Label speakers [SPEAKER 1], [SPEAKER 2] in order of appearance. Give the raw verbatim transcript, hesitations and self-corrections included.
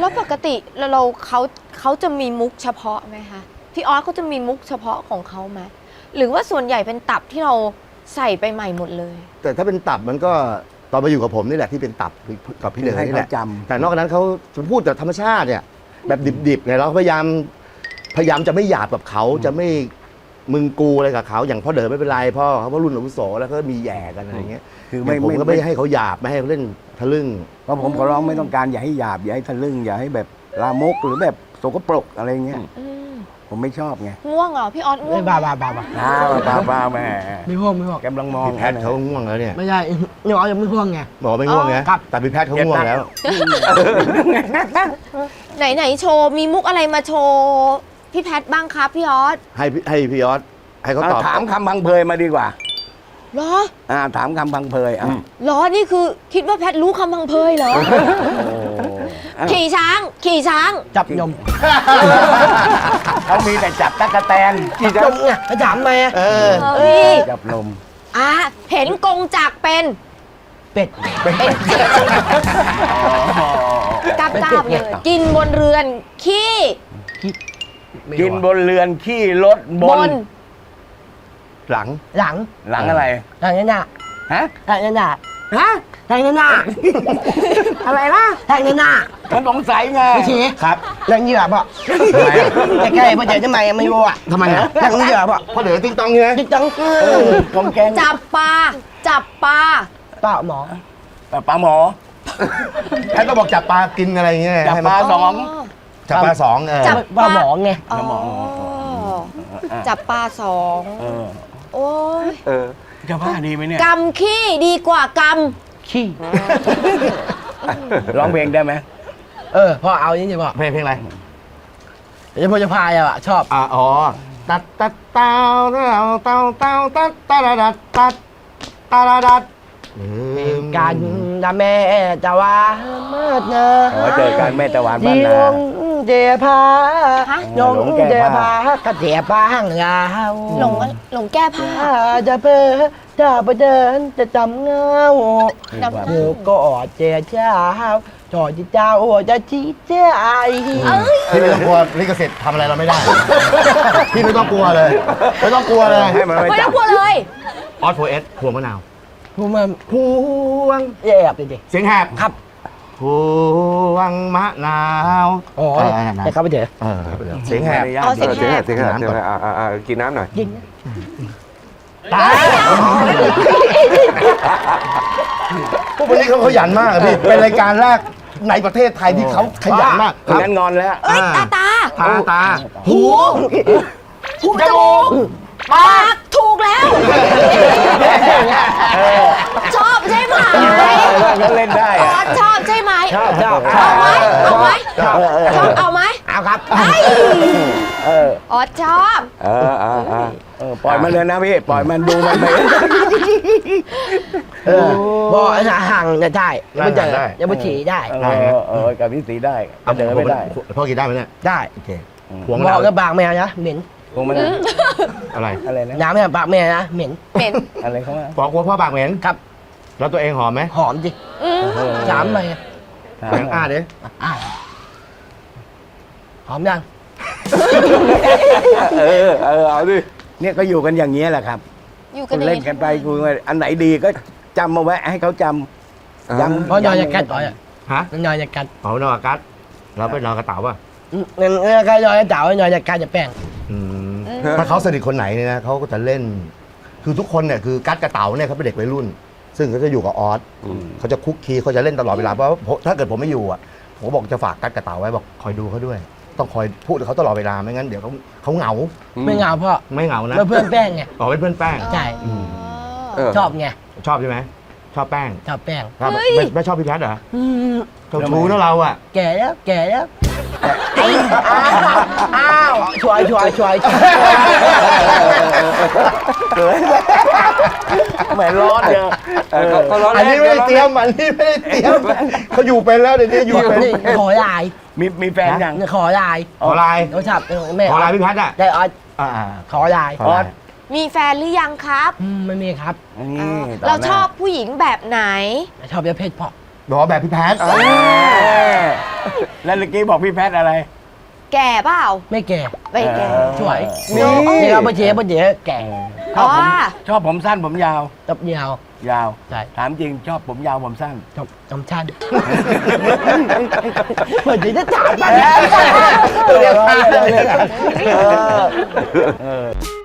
[SPEAKER 1] แล้วปกติเราเราเขาเขาจะมีมุกเฉพาะไหมคะพี่ออสเขาจะมีมุกเฉพาะของเขาไหมหรือว่าส่วนใหญ่เป็นตับที่เราใส่ไปใหม่หมดเลย
[SPEAKER 2] แต่ถ้าเป็นตับมันก็ตอนมาอยู่กับผมนี่แหละที่เป็นตับกับพี่เหลือนี่แหละแต่นอกจากนั้นเขาพูดแต่ธรรมชาติเนี่ยแบบดิบๆไงเราพยายามพยายามจะไม่หยาบกับเขาจะไม่มึงกูอะไรกับเขาอย่างพ่อเดินไม่เป็นไรพ่อเขาเพราะรุ่นอาวุโสแล้วก็มีแย่กันอะไรเงี้ยคือไม่ผมก็ไม่ให้เขาหยาบไม่ให้เขาเล่นทะลึ่ง
[SPEAKER 3] เพราะผมขอร้องไม่ต้องการอย่าให้หยาบอย่าให้ทะลึ่งอย่าให้แบบลามกหรือแบบโสกปรกอะไรเงี้ยผมไม่ชอบไง
[SPEAKER 1] ง่วงเหรอพี่ออสง่วง
[SPEAKER 4] บ้าบ้าบ้าบ้า
[SPEAKER 3] บ้าบ้าบ้าแม่
[SPEAKER 4] ไม่ห่วงไม่ห่วง
[SPEAKER 3] กำลังมอง
[SPEAKER 2] พี่แพทเขาง่วงแล้วเนี่ย
[SPEAKER 4] ไม่ใช่พี่ออสยังไม่ห่วงไง
[SPEAKER 2] บอกไม่ง่วงไงแต่พี่แพทเขาง่วงแล้ว
[SPEAKER 1] ไหนไหนโชว์มีมุกอะไรมาโชว์พี่แพทบ้างครับพี่ออส
[SPEAKER 2] ให้ให้พี่ออสให้เขาตอบ
[SPEAKER 3] ถามคำพังเพยมาดีกว่า
[SPEAKER 1] เหรอ
[SPEAKER 3] อ่าถามคำพังเพยอ่ะ
[SPEAKER 1] เหรอนี่คือคิดว่าแพทรู้คำพังเพยเหรอขี่ช้างขี่ช้าง
[SPEAKER 4] จับยม
[SPEAKER 3] เขามีแต่จับตะกะแตน
[SPEAKER 4] ขี่ยมไงเขาถามมา
[SPEAKER 2] เออ
[SPEAKER 3] จับลม
[SPEAKER 1] อ่ะเห็นกงจักเป็น
[SPEAKER 4] เป็ด
[SPEAKER 1] เป็นกาบกาบเลยกินบนเรือนขี้
[SPEAKER 3] กินบนเรือนขี้รถบน
[SPEAKER 2] หลัง
[SPEAKER 4] หลัง
[SPEAKER 3] หลังอะไร
[SPEAKER 4] หลังนั่นน่ะ
[SPEAKER 3] ฮะ
[SPEAKER 4] หลังนั่นน่ะฮะหลังนั่นน่ะอะไรนะหลังนั่นน่ะ
[SPEAKER 3] มันสงสัยไง
[SPEAKER 4] พี่ชี
[SPEAKER 2] ครับ
[SPEAKER 4] หลังเหยื่อป่ะใกล้ๆพ่อเจ๋ทำไมไม่รู้อ่ะ
[SPEAKER 2] ทำไมอ่ะ
[SPEAKER 4] หลังเหยื่อป่ะ
[SPEAKER 2] พ่อเดือติ๊งตองไง
[SPEAKER 4] ติ๊งตอง
[SPEAKER 3] กองแกง
[SPEAKER 1] จับปลาจับปลา
[SPEAKER 4] ปลาหมอ
[SPEAKER 3] ปลาหมอ
[SPEAKER 2] แพทย์ก็บอกจับปลากินอะไรเงี้ย
[SPEAKER 3] จับปลาสอง
[SPEAKER 2] จับปลาสองเออ
[SPEAKER 4] จับปลาหมอไง
[SPEAKER 1] จับปลาสองโอ้ย
[SPEAKER 3] เออจะว่าดีไหมเนี่ย
[SPEAKER 1] กำขี้ดีกว่าก
[SPEAKER 4] ำขี้
[SPEAKER 3] ร้องเพลงได้ไหม
[SPEAKER 4] เออพ่อเอานี่สิพ่อ
[SPEAKER 2] เพลงเพลงอะไร
[SPEAKER 4] เดี๋ยวพ่อจะพายอ่ะชอบ
[SPEAKER 2] อ่ะอ๋อตัดตัดเต้าเต้าเต้าเต้าตัดตัดตัดตัดตัดตัด
[SPEAKER 4] กันนะแม่จะว่ามาดนะ
[SPEAKER 3] เจอกันแม่ตะวันบ้านนา
[SPEAKER 4] เดียพายงเดียพากระเดียป้าห้างลาว
[SPEAKER 1] หลงหลงแก้ผ้า
[SPEAKER 4] จะเพ้อจะไปเดินจะจำเงาเดี๋ยวก็อดเจ้าเจ้าจอดเจ้าจะชี้เจ้าไอ้
[SPEAKER 2] พี่ไม่ต้องกลัวลิขสิทธิ์ทำอะไรเราไม่ได้พี่ไม่ต้องกลัวเลยไม่ต้องกลัวเลย
[SPEAKER 1] ไม่ต้องกลัวเลย
[SPEAKER 2] ออสโฟเอสพวงมะนาว
[SPEAKER 4] พวงมาพวงแยบดิ
[SPEAKER 2] เสียงแหบ
[SPEAKER 4] ครับ
[SPEAKER 2] พวงมะนาว
[SPEAKER 4] อ๋อแต่เข้าไปเถอะ
[SPEAKER 2] เสียงแหบ
[SPEAKER 1] เสียงแหบ
[SPEAKER 5] เสียงแหบเสียงแหบอ่ากินน้ำหน่อย
[SPEAKER 4] กิน
[SPEAKER 2] ตายพวกนี้เขาขยันมากพี่เป็นรายการแรกในประเทศไทยที่เขาขยันมาก
[SPEAKER 3] งั้นงอนแล้ว
[SPEAKER 1] เอ้ยตาตา
[SPEAKER 2] ตาตา
[SPEAKER 1] หูหูจมูกปากถูกแล้วชอบใช่ไหม
[SPEAKER 3] ก็เล่นได้
[SPEAKER 1] ชอบใช่ไหม
[SPEAKER 4] ชอบชอบ
[SPEAKER 1] เอาไหมเอาไหมชอบเอาไหม
[SPEAKER 4] เอาครับ
[SPEAKER 1] อ๋อชอบ
[SPEAKER 3] เออเออปล่อยมันเลยนะพี่ปล่อยมันดูมันไป
[SPEAKER 4] บ่ห่างจะได้ยังไม่เจอยังไม่ฉี่ได้
[SPEAKER 3] เออเออกับพี่สีได้เดินไม่ได้
[SPEAKER 2] พ่อกินได้ไหมเนี่ย
[SPEAKER 4] ได้
[SPEAKER 2] โอเค
[SPEAKER 4] หัวเราก็บางแม่นะเหม็น
[SPEAKER 3] พวงมัน
[SPEAKER 2] อะไร
[SPEAKER 3] อะไรนะ
[SPEAKER 4] น้ำเนี่ยปากแม่นะเหม็น
[SPEAKER 1] เหม็น
[SPEAKER 3] อะไรเขาว่า
[SPEAKER 2] บอกว่าพ่อปากเหม็น
[SPEAKER 4] ครับ
[SPEAKER 2] แล้วตัวเองหอมไหม
[SPEAKER 4] หอมจิสามเลย
[SPEAKER 2] แบงอ่าดิ
[SPEAKER 4] หอมยัง
[SPEAKER 3] เออเออเอาดิเนี่ยก็อยู่กันอย่างนี้แหละครับ
[SPEAKER 1] อยู่กัน
[SPEAKER 3] เล่นกันไปคุยอันไหนดีก็จำมาไว้ให้เขาจำ
[SPEAKER 4] จำเพราะนอนจะกัดต่อยอ่ะ
[SPEAKER 2] ฮะ
[SPEAKER 4] นอนจะกัด
[SPEAKER 2] เขานอนกัดเราไปนอนกระเต่าป่ะ
[SPEAKER 4] เงินเงินใครนอนจะเต่านอนจะกัดจะแป้ง
[SPEAKER 2] ถ้าเขาสนิทคนไหนเนี่ยนะเขาก็จะเล่นคือทุกคนเนี่ยคือกัดกระเต่าเนี่ยเขาเป็นเด็กวัยรุ่นซึ่งเขาจะอยู่กับออสเขาจะคุกคีเขาจะเล่นตลอดเวลาเพราะถ้าเกิดผมไม่อยู่อ่ะผมบอกจะฝากกัดกระเต่าไว้บอกคอยดูเขาด้วยต้องคอยพูดกับเขาตลอดเวลาไม่งั้นเดี๋ยวเขาเขาเหงา
[SPEAKER 4] ไม่เหงาพ่อ
[SPEAKER 2] ไม่เหงานะ
[SPEAKER 4] เพื่อนแป้งไง
[SPEAKER 2] อ๋อเป็นเพื่อนแป้ง
[SPEAKER 4] ใช่ชอบไง
[SPEAKER 2] ชอบใช่ไหมชอบแป้ง
[SPEAKER 4] ชอบแป้ง
[SPEAKER 2] ไม่ชอบพี่แพทย์เหรอเจ้าชู้นะเราอ่ะ
[SPEAKER 4] แก่แล้วแก่แล้วอ้าวช่วยช่วยช่วย
[SPEAKER 3] เหมือนร้อนเดียว
[SPEAKER 2] อันนี้ไม่ได้เตรียมอันนี้ไม่ได้เตรียมเขาอยู่เป็นแล้วเดี๋ยวนี้อยู่เป็น
[SPEAKER 4] ขอไลน์
[SPEAKER 3] มีมีแฟนยัง
[SPEAKER 4] ขอไลน์
[SPEAKER 2] ขอไลน์
[SPEAKER 4] โทรศัพท์แม่
[SPEAKER 2] ขอไลน์พี่แพทย์อ่ะ
[SPEAKER 4] ได้ออสขอไลน์
[SPEAKER 2] ออส
[SPEAKER 1] มีแฟนหรือยังครับ
[SPEAKER 4] ไม่มีครับ
[SPEAKER 1] เราชอบผู้หญิงแบบไหน
[SPEAKER 4] ชอบประเภทพ่อ
[SPEAKER 2] รอแบบพี่แพทย์
[SPEAKER 3] เออแล้วเมื่อกี้บอกพี่แพทย์อะไร
[SPEAKER 1] แก่เปล่า
[SPEAKER 4] ไม่แก่
[SPEAKER 1] ไม่แก่
[SPEAKER 4] ช่วย
[SPEAKER 3] นี่
[SPEAKER 4] นี่ครับป้าเจ๊ป้าเจ๊แก่
[SPEAKER 3] ชอบผม
[SPEAKER 1] อ๋อ
[SPEAKER 3] ชอบผมสั้นผมยาว
[SPEAKER 4] ตับยาว
[SPEAKER 3] ยาว
[SPEAKER 4] ใช่
[SPEAKER 3] ถามจริงชอบผมยาวผมสั้น
[SPEAKER 4] จบจำชันเหมือนจะถามมาแล้ว
[SPEAKER 3] เออเออ